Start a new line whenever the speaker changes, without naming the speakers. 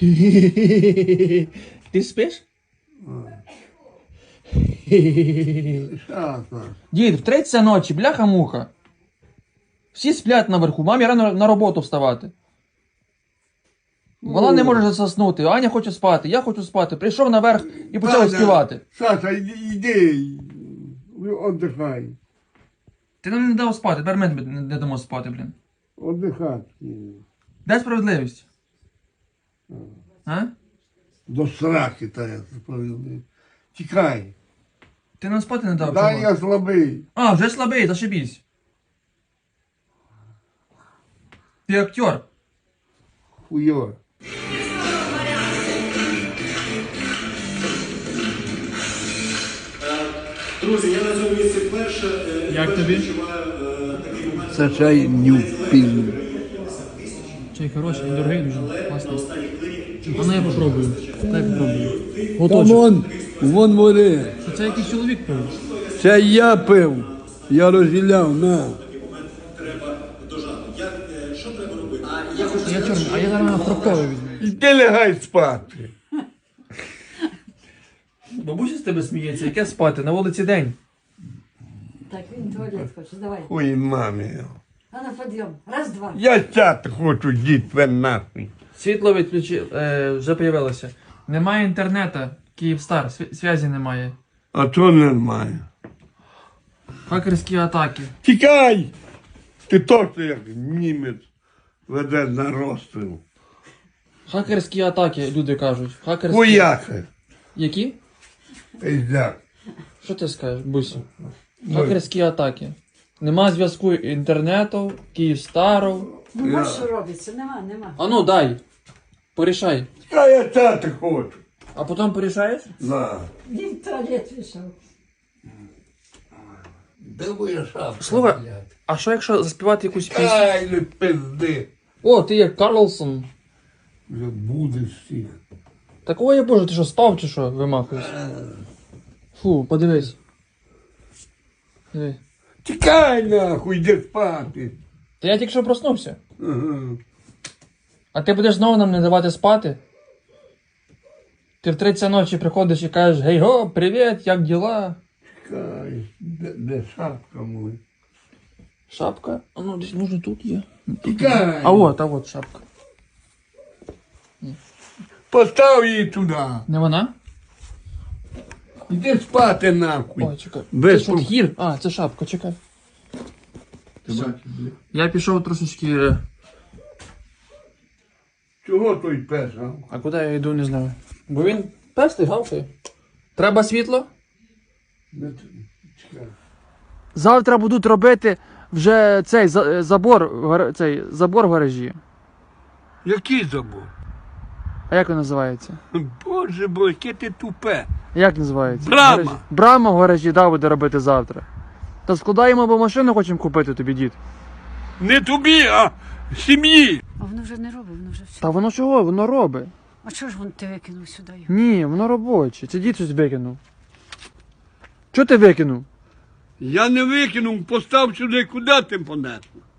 Ти спиш?
Що це?
Дід, в 3 ночі, бляха-муха. Всі сплять наверху, мамі рано на роботу вставати. Вона не може заснути, Аня хоче спати, я хочу спати. Прийшов наверх і почав співати.
Саша, йди, віддихай.
Ти нам не дав спати, тепер ми не дамо спати, блін.
Віддихати.
Де справедливість? А?
До сраки та я справедливий. Тікай.
Ти нам спати не дав?
Дай
чого?
я слабий.
А, вже слабий, зашибісь. Ти актер.
Хуйо.
Друзі, я на цьому місці вперше.
Як тобі?
Це чай нюпін.
Чай хороший, дорогий дуже, класний. А ну я попробую. Дай попробую.
Та
Готочок.
вон води.
Це якийсь чоловік пив.
Це я пив. Я розділяв, на.
Я чорний, а я зараз фруктовий візьму.
Іди лягай спати.
Бабуся з тебе сміється, яке спати, на вулиці день.
Так, він туалет хоче, давай.
Ой, мамі.
А на підйом. Раз, два.
Я сяти хочу, дітве нахуй.
Світло вже появилося. Немає інтернету, Київстар, зв'язі немає.
А то нормально.
Хакерські атаки.
Тікай! Ти точно як німець веде на розстріл.
Хакерські атаки, люди кажуть. Хакерські...
Хуяхи.
Які?
Пиздяк.
Що ти скажеш, Бусі? Хакерські атаки. Нема зв'язку інтернету, Київстару.
Ну, ось що робиться, нема.
А ну дай. Порішай.
А я сяти хочу.
А потім порішаєш?
На.
Він в туалет пішов.
Де моя шапка?
Слухай,
блядь?
а що якщо заспівати якусь пісню?
Ай, не пизди.
О, ти як Карлсон.
Вже будеш всіх.
Такого я боже, ти що, спав чи що, вимахуєш? Фу, подивись. Диви.
Тікай нахуй, йди спати.
Та я тільки що проснувся.
Ага.
А ти будеш знову нам не давати спати? Ти в 3 ночі приходиш і кажеш, гей го, привіт, як діла?
Тікай. Де шапка моя?
Шапка? А ну десь може тут є.
Тікай.
А от шапка.
Постав її туди.
Не вона?
Іди спати нахуй.
Ой, чекай.
Без
Це що, гір? А, це шапка, чекай.
Ти бачиш, блядь?
Я пішов трошечки.
Чого той пес, а?
А куди я йду, не знаю. Бо він пестий, гавкає. Треба світло?
Чекай.
Завтра будуть робити вже цей забор в гаражі.
Який забор?
А як він називається?
Боже мой, яке ти тупе.
Як називається?
Брама.
Гаражі. Брама в гаражі, да, буде робити завтра. Та складаємо, бо машину хочемо купити тобі, дід.
Не тобі, а сім'ї.
А воно вже не робить, воно вже все.
Та воно чого? Воно робить.
А чого ж ти викинув сюди його?
Ні, воно робоче. Це дід щось викинув. Чого ти викинув?
Я не викинув, постав сюди, куди ти понесла?